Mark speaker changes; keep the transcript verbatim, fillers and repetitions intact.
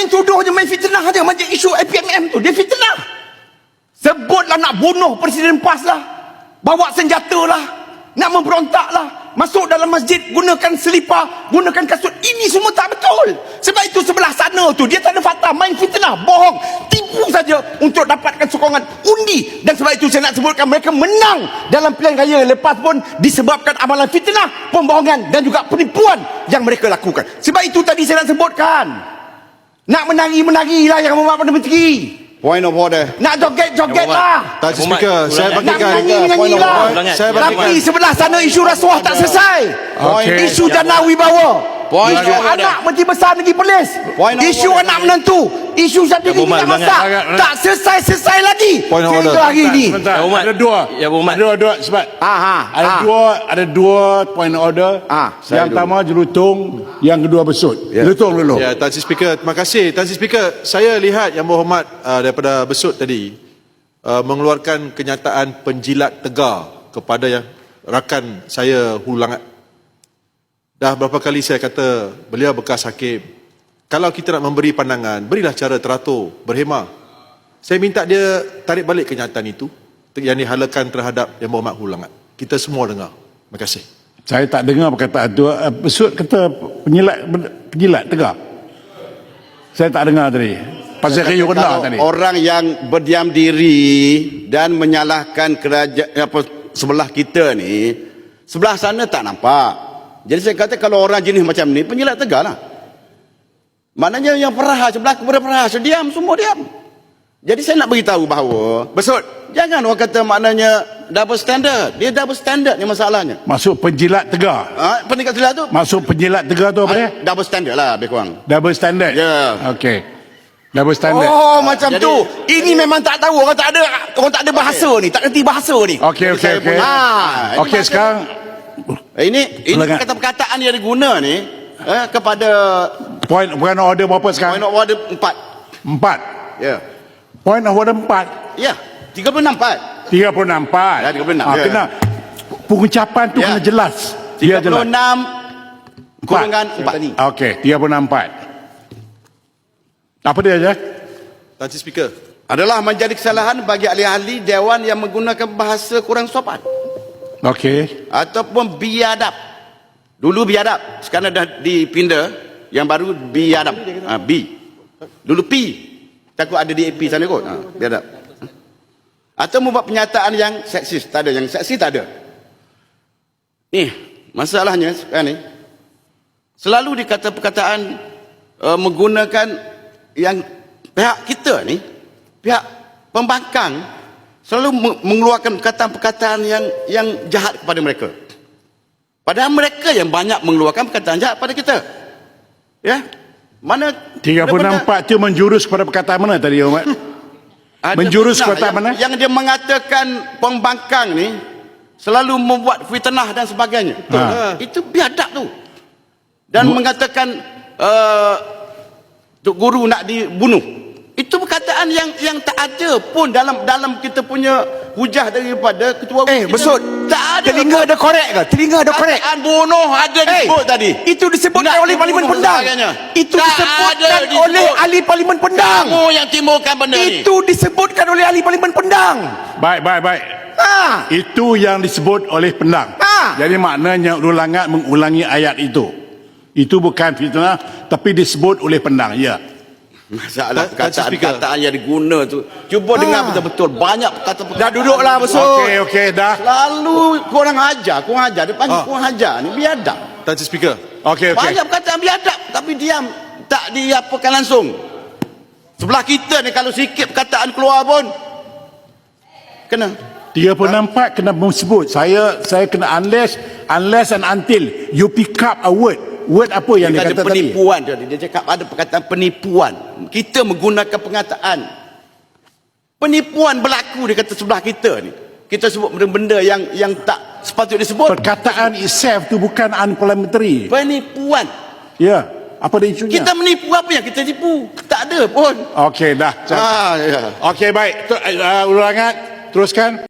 Speaker 1: main tuduh je, main fitnah je. Macam isu A P M M tu, dia fitnah. Sebutlah nak bunuh Presiden PAS lah, bawa senjata lah, nak memberontak lah, masuk dalam masjid gunakan selipar, gunakan kasut. Ini semua tak betul. Sebab itu sebelah sana tu dia tak ada fakta, main fitnah, bohong, tipu saja untuk dapatkan sokongan undi. Dan sebab itu saya nak sebutkan mereka menang dalam pilihan raya lepas pun disebabkan amalan fitnah, pembohongan dan juga penipuan yang mereka lakukan. Sebab itu tadi saya nak sebutkan, nak menari-menarilah yang membuat Perdana Menteri.
Speaker 2: Point of order.
Speaker 1: Nak joget-joget lah.
Speaker 3: Tak Speaker, saya
Speaker 1: Nak
Speaker 3: bagikan
Speaker 1: menyanyi-menyanyi lah.
Speaker 3: Saya
Speaker 1: Tapi
Speaker 3: bagikan
Speaker 1: sebelah sana isu rasuah tak selesai.
Speaker 3: Okay.
Speaker 1: Isu jana wibawa.
Speaker 2: Point
Speaker 1: Isu
Speaker 2: of order.
Speaker 1: anak Menteri Besar Negeri Perlis.
Speaker 2: Point of
Speaker 1: Isu
Speaker 2: order.
Speaker 1: anak menantu. Isu sendiri
Speaker 4: Ya,
Speaker 1: minyak masak. Tak selesai-selesai lagi.
Speaker 3: Point of
Speaker 1: Sehingga
Speaker 3: order.
Speaker 1: hari ini.
Speaker 4: Ya, Umat.
Speaker 5: Ada dua.
Speaker 4: Ya, Umat.
Speaker 5: Ada dua sebab
Speaker 1: Aha,
Speaker 5: ada
Speaker 1: ah.
Speaker 5: dua ada dua point order.
Speaker 1: Ah,
Speaker 5: yang pertama jelutung, yang kedua besut.
Speaker 3: Ya.
Speaker 5: Jelutung dulu.
Speaker 3: Ya, Tan Sri Speaker, terima kasih. Tan Sri Speaker, saya lihat Yang Berhormat uh, daripada Besut tadi uh, mengeluarkan kenyataan penjilat tegar kepada yang rakan saya Hulu Langat. Dah berapa kali saya kata beliau bekas hakim. Kalau kita nak memberi pandangan, berilah cara teratur, berhemah. Saya minta dia tarik balik kenyataan itu yang dihalakan terhadap Yang Berhormat Hulu Langat. Kita semua dengar. Terima kasih.
Speaker 5: Saya tak dengar perkataan tu. Uh, Besut kata penjilat penjilat tegar. Saya tak dengar tadi. Pasal kayu rendah
Speaker 2: Kalau
Speaker 5: tadi.
Speaker 2: orang yang berdiam diri dan menyalahkan kerajaan apa sebelah kita ni, sebelah sana tak nampak. Jadi saya kata kalau orang jenis macam ni penjilat tegar lah. Maknanya yang perahas sebelah kepada perahas diam, semua diam. Jadi saya nak beritahu bahawa
Speaker 1: Besut.
Speaker 2: jangan orang kata maknanya double standard. Dia double standard ni masalahnya.
Speaker 5: Masuk penjilat tegar.
Speaker 2: Ha, pendekat silat tu
Speaker 5: Masuk penjilat tegar tu apa dia?
Speaker 2: ha, double standard lah lebih kurang.
Speaker 5: Double standard.
Speaker 2: Ya.
Speaker 5: Okey. Double standard.
Speaker 1: Oh, macam
Speaker 2: Jadi-
Speaker 1: tu. Ini memang tak tahu. Orang tak ada orang tak ada bahasa ni. Tak kerti bahasa ni.
Speaker 5: Okey okey
Speaker 2: Saya
Speaker 5: okey.
Speaker 2: punya-
Speaker 1: Ah,
Speaker 5: Okey sekarang
Speaker 2: Eh, Ini ini
Speaker 5: Silakan.
Speaker 2: kata-perkataan yang diguna ni eh, kepada
Speaker 5: point point order berapa
Speaker 2: point
Speaker 5: sekarang?
Speaker 2: of order empat.
Speaker 5: Empat.
Speaker 2: Ya.
Speaker 5: Point of order empat.
Speaker 2: Ya, tiga puluh enam empat.
Speaker 5: tiga puluh enam empat.
Speaker 2: Ya, tiga puluh enam,
Speaker 5: Ah,
Speaker 2: ya.
Speaker 5: kena pengucapan tu
Speaker 2: Ya.
Speaker 5: kena jelas.
Speaker 2: tiga
Speaker 5: Dia jelas.
Speaker 2: puluh enam kurungan empat.
Speaker 5: Okey, tiga puluh enam empat. Apa dia je?
Speaker 3: Tan Sri Speaker.
Speaker 2: Adalah menjadi kesalahan bagi ahli-ahli dewan yang menggunakan bahasa kurang sopan
Speaker 5: Okey.
Speaker 2: ataupun biadab. Dulu biadab, sekarang dah dipindah yang baru biadab. Ha, B. Dulu P. Takut ada di A P sana kot. Ha, biadab. Atau membuat pernyataan yang seksis, tak ada. Yang seksi tak ada. Ni, masalahnya sekarang ni selalu dikata perkataan uh, menggunakan yang pihak kita ni, pihak pembangkang selalu mengeluarkan perkataan-perkataan yang yang jahat kepada mereka. Padahal mereka yang banyak mengeluarkan perkataan jahat pada kita. Ya. Mana
Speaker 5: tiga puluh enam empat tu menjurus kepada perkataan mana tadi, Umat?
Speaker 2: ada
Speaker 5: menjurus
Speaker 2: fitnah
Speaker 5: perkataan
Speaker 2: yang,
Speaker 5: mana?
Speaker 2: Yang dia mengatakan pembangkang ni selalu membuat fitnah dan sebagainya.
Speaker 5: Ha.
Speaker 2: Itu biadab tu. Dan Bu mengatakan uh, Tok Guru nak dibunuh. Itu perkataan yang yang tak ada pun dalam dalam kita punya hujah daripada ketua
Speaker 1: Eh, Besut.
Speaker 2: tak ada.
Speaker 1: Telinga ada korek ke? Telinga ada korek.
Speaker 2: Perkataan bunuh ada
Speaker 1: Eh,
Speaker 2: disebut tadi.
Speaker 1: Itu disebutkan
Speaker 2: Nak
Speaker 1: oleh Parlimen
Speaker 2: dibunuh
Speaker 1: Pendang.
Speaker 2: sebagainya.
Speaker 1: Itu
Speaker 2: Tak
Speaker 1: disebutkan
Speaker 2: ada disebut.
Speaker 1: oleh ahli Parlimen Pendang.
Speaker 2: Kamu yang timbulkan benda ni.
Speaker 1: Itu disebutkan oleh ahli Parlimen Pendang.
Speaker 5: Baik, baik, baik.
Speaker 1: Ha.
Speaker 5: Itu yang disebut oleh Pendang.
Speaker 1: Ha.
Speaker 5: Jadi maknanya Hulu Langat mengulangi ayat itu. Itu bukan fitnah, tapi disebut oleh Pendang. Ya.
Speaker 2: Masalah
Speaker 3: Tak- tak speaker.
Speaker 2: perkataan-perkataan yang diguna tu. Cuba dengar betul-betul. Banyak perkataan-perkataan.
Speaker 1: Dah duduklah, Besut.
Speaker 5: Okey, okey, dah.
Speaker 2: Lalu kurang ajar, kurang ajar. Dia panggil
Speaker 3: Ah.
Speaker 2: kurang ajar ni biadab.
Speaker 3: Tan Sri Speaker.
Speaker 5: Okey, okey.
Speaker 2: Banyak perkataan biadab tapi diam. Tak diapakan langsung. Sebelah kita ni kalau sikit perkataan keluar pun kena.
Speaker 5: tiga puluh enam empat kena sebut. Saya saya kena unless unless and until you pick up a word. Word apa yang
Speaker 2: Dia
Speaker 5: dia
Speaker 2: kata
Speaker 5: kata tadi?
Speaker 2: penipuan tadi. Dia cakap ada perkataan penipuan. Kita menggunakan pengataan. Penipuan berlaku dia kata sebelah kita ni. Kita sebut benda-benda yang yang tak sepatutnya disebut.
Speaker 5: Perkataan itself tu bukan unparliamentary.
Speaker 2: Penipuan.
Speaker 5: Ya. Apa dia isunya?
Speaker 2: Kita menipu apa yang kita tipu? Tak ada pun.
Speaker 5: Okey, dah.
Speaker 2: Ah, ya.
Speaker 5: Okey, baik. Tu- Uh, Hulu Langat, teruskan.